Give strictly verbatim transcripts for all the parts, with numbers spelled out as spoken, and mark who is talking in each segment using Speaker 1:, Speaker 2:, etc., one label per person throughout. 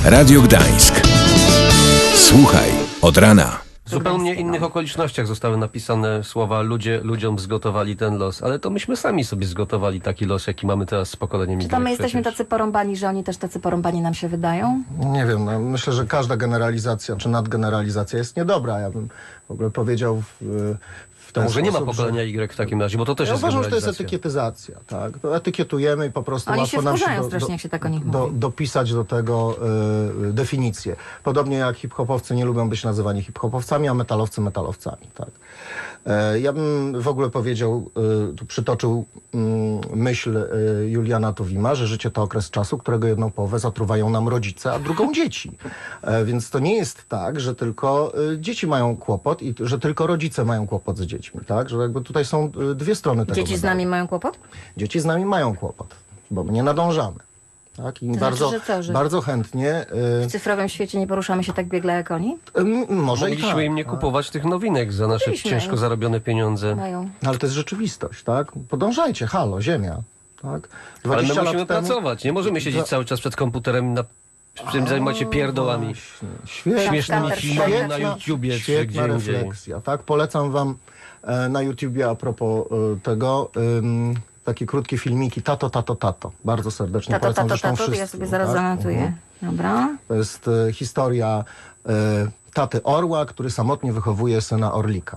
Speaker 1: Radio Gdańsk. Słuchaj od rana.
Speaker 2: W zupełnie innych okolicznościach zostały napisane słowa ludzie, ludziom zgotowali ten los, ale to myśmy sami sobie zgotowali taki los, jaki mamy teraz z pokoleniem
Speaker 3: Czy to my
Speaker 2: Y
Speaker 3: jesteśmy
Speaker 2: przecież.
Speaker 3: tacy porąbani, że oni też tacy porąbani nam się wydają?
Speaker 4: Nie wiem, no, myślę, że każda generalizacja czy nadgeneralizacja jest niedobra. Ja bym w ogóle powiedział w, w
Speaker 2: To
Speaker 4: ten
Speaker 2: może nie ma
Speaker 4: sposób,
Speaker 2: pokolenia Y w takim razie, bo to też
Speaker 4: Ja
Speaker 2: jest
Speaker 4: uważam, że to jest
Speaker 2: generalizacja.
Speaker 4: etykietyzacja, tak? To etykietujemy i po prostu
Speaker 3: Oni
Speaker 4: łatwo
Speaker 3: się
Speaker 4: nam się
Speaker 3: wkurzają
Speaker 4: do,
Speaker 3: strasznie,
Speaker 4: do,
Speaker 3: jak się tak o nich
Speaker 4: do,
Speaker 3: mówi.
Speaker 4: dopisać do tego y, definicję. Podobnie jak hip-hopowcy nie lubią być nazywani hip-hopowcami, a metalowcy metalowcami, tak? E, ja bym w ogóle powiedział, y, tu przytoczył y, myśl y, Juliana Tuwima, że życie to okres czasu, którego jedną połowę zatruwają nam rodzice, a drugą dzieci. E, więc to nie jest tak, że tylko y, dzieci mają kłopot i że tylko rodzice mają kłopot z dziećmi, tak? Że jakby tutaj są y, dwie strony tego
Speaker 3: Dzieci z
Speaker 4: medalu.
Speaker 3: nami mają kłopot?
Speaker 4: Dzieci z nami mają kłopot, bo my nie nadążamy. Tak? I
Speaker 3: To
Speaker 4: bardzo,
Speaker 3: znaczy, że co, że-
Speaker 4: bardzo chętnie.
Speaker 3: W cyfrowym świecie nie poruszamy się tak biegle jak oni?
Speaker 4: Y, y, może i
Speaker 2: Mogliśmy
Speaker 4: tak,
Speaker 2: im nie
Speaker 4: tak.
Speaker 2: kupować tych nowinek za nasze
Speaker 3: Mogliśmy.
Speaker 2: ciężko zarobione pieniądze.
Speaker 3: Mają.
Speaker 4: No, ale to jest rzeczywistość, tak? Podążajcie, halo, ziemia. Tak?
Speaker 2: Ale my
Speaker 4: dwadzieścia
Speaker 2: musimy
Speaker 4: lat temu-
Speaker 2: pracować, nie możemy siedzieć
Speaker 4: Dwa-
Speaker 2: cały czas przed komputerem na czym zajmować się pierdołami.
Speaker 4: Właśnie. Świetna,
Speaker 2: Śmiesznymi
Speaker 3: Counter
Speaker 2: filmami
Speaker 3: Strike.
Speaker 2: na YouTubie czy
Speaker 4: świetna
Speaker 2: gdzie indziej.
Speaker 4: refleksja, tak? Polecam wam e, na YouTubie a propos e, tego ym, takie krótkie filmiki Tato, tato, tato. Bardzo serdecznie
Speaker 3: Tato,
Speaker 4: polecam
Speaker 3: tato,
Speaker 4: zresztą
Speaker 3: tato, to ja
Speaker 4: wszystkim,
Speaker 3: sobie zaraz
Speaker 4: tak?
Speaker 3: zanotuję.
Speaker 4: Mhm.
Speaker 3: Dobra.
Speaker 4: To jest e, historia e, taty orła, który samotnie wychowuje syna orlika.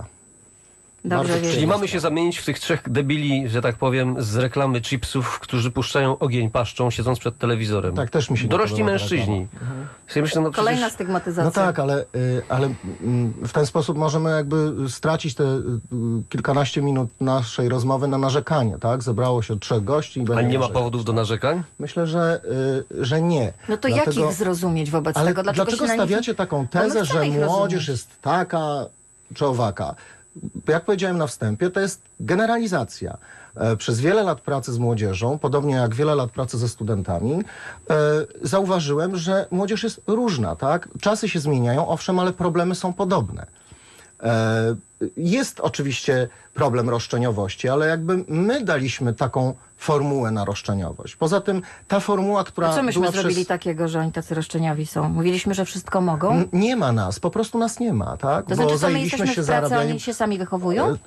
Speaker 3: Dobrze
Speaker 4: Bardzo
Speaker 3: wiedzieć.
Speaker 2: Czyli mamy się zamienić w tych trzech debili, że tak powiem, z reklamy chipsów, którzy puszczają ogień paszczą, siedząc przed telewizorem.
Speaker 4: Tak, też mi się nie
Speaker 2: Dorośli
Speaker 4: podoba ta
Speaker 2: mężczyźni.
Speaker 4: reklama.
Speaker 2: Sobie myślę, no
Speaker 3: Kolejna
Speaker 2: przecież...
Speaker 3: stygmatyzacja.
Speaker 4: No tak, ale, y, ale mm, w ten sposób możemy jakby stracić te y, kilkanaście minut naszej rozmowy na narzekanie, tak? Zebrało się trzech gości i
Speaker 2: A
Speaker 4: będzie
Speaker 2: nie ma
Speaker 4: narzekać.
Speaker 2: powodów do narzekań?
Speaker 4: Myślę, że, y, że nie.
Speaker 3: No to
Speaker 4: Dlatego-
Speaker 3: jak ich zrozumieć wobec
Speaker 4: Ale
Speaker 3: tego? Dlaczego,
Speaker 4: dlaczego
Speaker 3: się na nich-
Speaker 4: stawiacie taką
Speaker 3: Bo my
Speaker 4: tezę, że
Speaker 3: chcemy ich
Speaker 4: młodzież
Speaker 3: rozumieć.
Speaker 4: jest taka czy owaka? Jak powiedziałem na wstępie, to jest generalizacja. E, Przez wiele lat pracy z młodzieżą, podobnie jak wiele lat pracy ze studentami, e, zauważyłem, że młodzież jest różna, tak? Czasy się zmieniają, owszem, ale problemy są podobne. E, Jest oczywiście problem roszczeniowości, ale jakby my daliśmy taką formułę na roszczeniowość. Poza tym ta formuła, która
Speaker 3: A co myśmy
Speaker 4: była
Speaker 3: zrobili
Speaker 4: przez...
Speaker 3: takiego, że oni tacy roszczeniowi są? Mówiliśmy, że wszystko mogą?
Speaker 4: N- Nie ma nas, po prostu nas nie ma, tak?
Speaker 3: To znaczy, co my
Speaker 4: zajęliśmy
Speaker 3: jesteśmy w pracy, a oni się sami wychowują?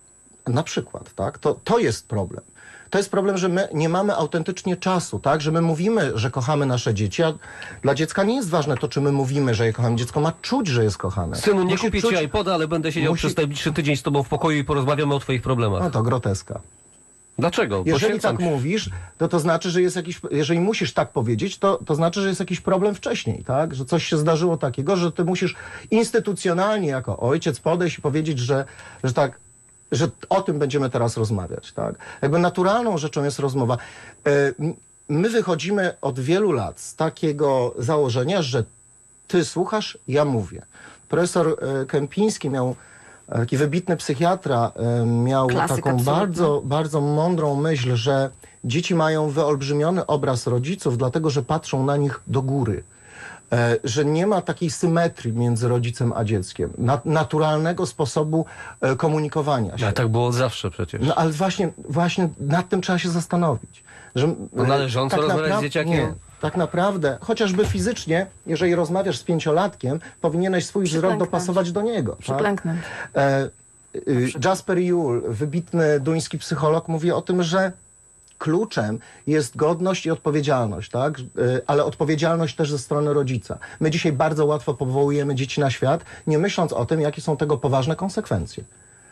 Speaker 4: E, Na przykład, tak? To, to jest problem. To jest problem, że my nie mamy autentycznie czasu, tak? Że my mówimy, że kochamy nasze dzieci, a dla dziecka nie jest ważne to, czy my mówimy, że je kochamy. Dziecko ma czuć, że jest kochane.
Speaker 2: Synu, nie
Speaker 4: Musi
Speaker 2: kupię
Speaker 4: czuć-
Speaker 2: ci iPoda, ale będę siedział
Speaker 4: musi-
Speaker 2: przez najbliższy tydzień z tobą w pokoju i porozmawiamy o twoich problemach.
Speaker 4: No to groteska.
Speaker 2: Dlaczego?
Speaker 4: Jeżeli
Speaker 2: Poświęcam
Speaker 4: tak
Speaker 2: się.
Speaker 4: mówisz, to to znaczy, że jest jakiś, jeżeli musisz tak powiedzieć, to, to znaczy, że jest jakiś problem wcześniej, tak? Że coś się zdarzyło takiego, że ty musisz instytucjonalnie jako ojciec podejść i powiedzieć, że, że tak, że o tym będziemy teraz rozmawiać, tak? Jakby naturalną rzeczą jest rozmowa. E, m- My wychodzimy od wielu lat z takiego założenia, że ty słuchasz, ja mówię. Profesor e, Kępiński miał, e, taki wybitny psychiatra, e, miał
Speaker 3: Klasyk
Speaker 4: taką
Speaker 3: absolutny.
Speaker 4: bardzo, bardzo mądrą myśl, że dzieci mają wyolbrzymiony obraz rodziców, dlatego że patrzą na nich do góry. E, że nie ma takiej symetrii między rodzicem a dzieckiem. Na, naturalnego sposobu e, komunikowania się.
Speaker 2: Ale tak było od zawsze przecież.
Speaker 4: No ale właśnie, właśnie nad tym trzeba się zastanowić. Że,
Speaker 2: No, należąco rozmawiać z
Speaker 4: napra-
Speaker 2: dzieciakiem?
Speaker 4: Nie, tak naprawdę, chociażby fizycznie, jeżeli rozmawiasz z pięciolatkiem, powinieneś swój wzrok
Speaker 3: Przyklęknąć.
Speaker 4: dopasować do niego. Tak?
Speaker 3: Przyklęknąć.
Speaker 4: E, y, Jasper Juhl, wybitny duński psycholog, mówi o tym, że kluczem jest godność i odpowiedzialność, tak? Y, ale odpowiedzialność też ze strony rodzica. My dzisiaj bardzo łatwo powołujemy dzieci na świat, nie myśląc o tym, jakie są tego poważne konsekwencje.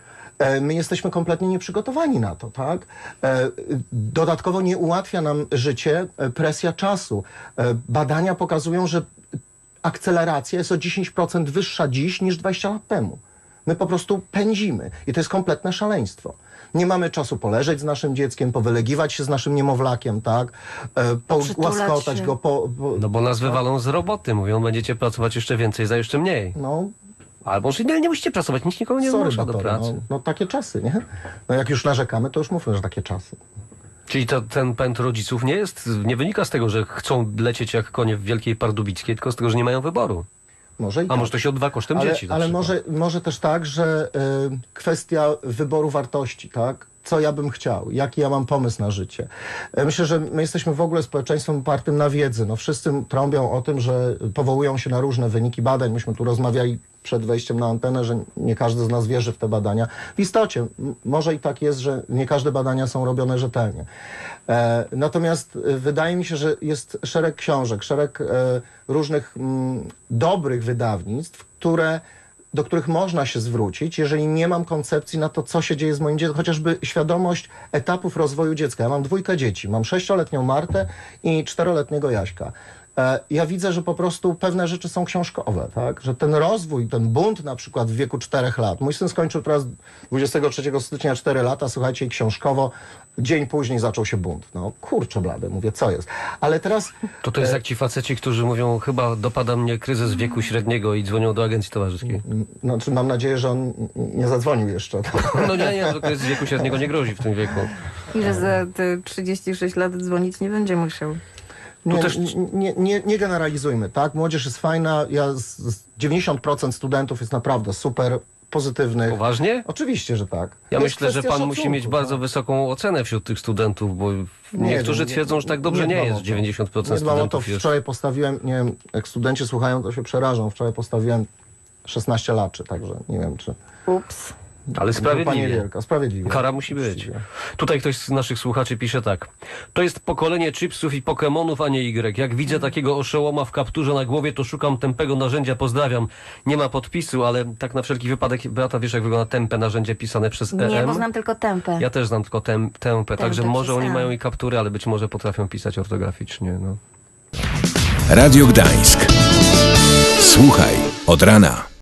Speaker 4: E, My jesteśmy kompletnie nieprzygotowani na to, tak? E, Dodatkowo nie ułatwia nam życie e, presja czasu. E, Badania pokazują, że akceleracja jest o dziesięć procent wyższa dziś niż dwadzieścia lat temu. My po prostu pędzimy i to jest kompletne szaleństwo. Nie mamy czasu poleżeć z naszym dzieckiem, powylegiwać się z naszym niemowlakiem, tak? E, Pogłaskotać
Speaker 3: się.
Speaker 4: go, po, po,
Speaker 2: No bo nas wywalą z roboty, mówią, będziecie pracować jeszcze więcej za jeszcze mniej.
Speaker 4: no,
Speaker 2: Albo że nie, nie musicie pracować, nikt nikogo nie
Speaker 4: sorry,
Speaker 2: zmusza do
Speaker 4: Batory,
Speaker 2: pracy.
Speaker 4: no, no takie czasy, nie? No jak już narzekamy, to już mówmy, że takie czasy.
Speaker 2: Czyli to, ten pęd rodziców nie jest, nie wynika z tego, że chcą lecieć jak konie w Wielkiej Pardubickiej, tylko z tego, że nie mają wyboru.
Speaker 4: Może i
Speaker 2: A
Speaker 4: tak.
Speaker 2: może to się odbywa kosztem
Speaker 4: ale,
Speaker 2: dzieci na
Speaker 4: ale
Speaker 2: przykład.
Speaker 4: może, może też tak, że y, kwestia wyboru wartości, tak? co ja bym chciał, jaki ja mam pomysł na życie. E, Myślę, że my jesteśmy w ogóle społeczeństwem opartym na wiedzy. No, wszyscy trąbią o tym, że powołują się na różne wyniki badań. Myśmy tu rozmawiali przed wejściem na antenę, że nie każdy z nas wierzy w te badania. W istocie, m- może i tak jest, że nie każde badania są robione rzetelnie. E, natomiast e, wydaje mi się, że jest szereg książek, szereg e, różnych mm, dobrych wydawnictw, które do których można się zwrócić, jeżeli nie mam koncepcji na to, co się dzieje z moim dzieckiem, chociażby świadomość etapów rozwoju dziecka. Ja mam dwójkę dzieci, mam sześcioletnią Martę i czteroletniego Jaśka. E, Ja widzę, że po prostu pewne rzeczy są książkowe, tak? Że ten rozwój, ten bunt na przykład w wieku czterech lat. Mój syn skończył teraz dwudziestego trzeciego stycznia cztery lata, słuchajcie, i książkowo dzień później zaczął się bunt. No kurczę blady, mówię, co jest? Ale teraz...
Speaker 2: To to jest jak ci faceci, którzy mówią, chyba dopada mnie kryzys wieku średniego i dzwonią do agencji towarzyskiej.
Speaker 4: Znaczy, mam nadzieję, że on nie zadzwonił jeszcze.
Speaker 2: No nie, nie, to kryzys wieku średniego nie grozi w tym wieku.
Speaker 3: I że za te trzydzieści sześć lat dzwonić nie będzie musiał.
Speaker 4: Nie,
Speaker 2: też-
Speaker 4: nie, nie, nie generalizujmy, tak? Młodzież jest fajna, ja z, z dziewięćdziesiąt procent studentów jest naprawdę super, pozytywnych.
Speaker 2: Poważnie?
Speaker 4: Oczywiście, że tak.
Speaker 2: Ja
Speaker 4: To jest
Speaker 2: myślę, że
Speaker 4: kwestia
Speaker 2: pan musi
Speaker 4: szacunku,
Speaker 2: mieć bardzo
Speaker 4: tak.
Speaker 2: wysoką ocenę wśród tych studentów, bo niektórzy
Speaker 4: wiem,
Speaker 2: twierdzą, że tak dobrze nie,
Speaker 4: dbam o
Speaker 2: jest.
Speaker 4: to.
Speaker 2: dziewięćdziesiąt procent
Speaker 4: Nie dbam o to.
Speaker 2: studentów jest.
Speaker 4: Wczoraj postawiłem, nie wiem, jak studenci słuchają, to się przerażą. Wczoraj postawiłem szesnaście laczy, także nie wiem, czy...
Speaker 3: Ups.
Speaker 2: Ale
Speaker 4: Grupa
Speaker 2: sprawiedliwie.
Speaker 4: niewielka, sprawiedliwie.
Speaker 2: Kara musi być.
Speaker 4: Uczciwie.
Speaker 2: Tutaj ktoś z naszych słuchaczy pisze tak. To jest pokolenie chipsów i Pokemonów, a nie Y. Jak widzę takiego oszołoma w kapturze na głowie, to szukam tępego narzędzia. Pozdrawiam. Nie ma podpisu, ale tak na wszelki wypadek, Beata, wiesz, jak wygląda tępe narzędzie pisane przez E M?
Speaker 3: Nie, bo znam tylko tempę.
Speaker 2: Ja też znam tylko tem, tępę, także może
Speaker 3: przez
Speaker 2: oni
Speaker 3: E.
Speaker 2: mają i kaptury, ale być może potrafią pisać ortograficznie. No.
Speaker 1: Radio Gdańsk. Słuchaj od rana.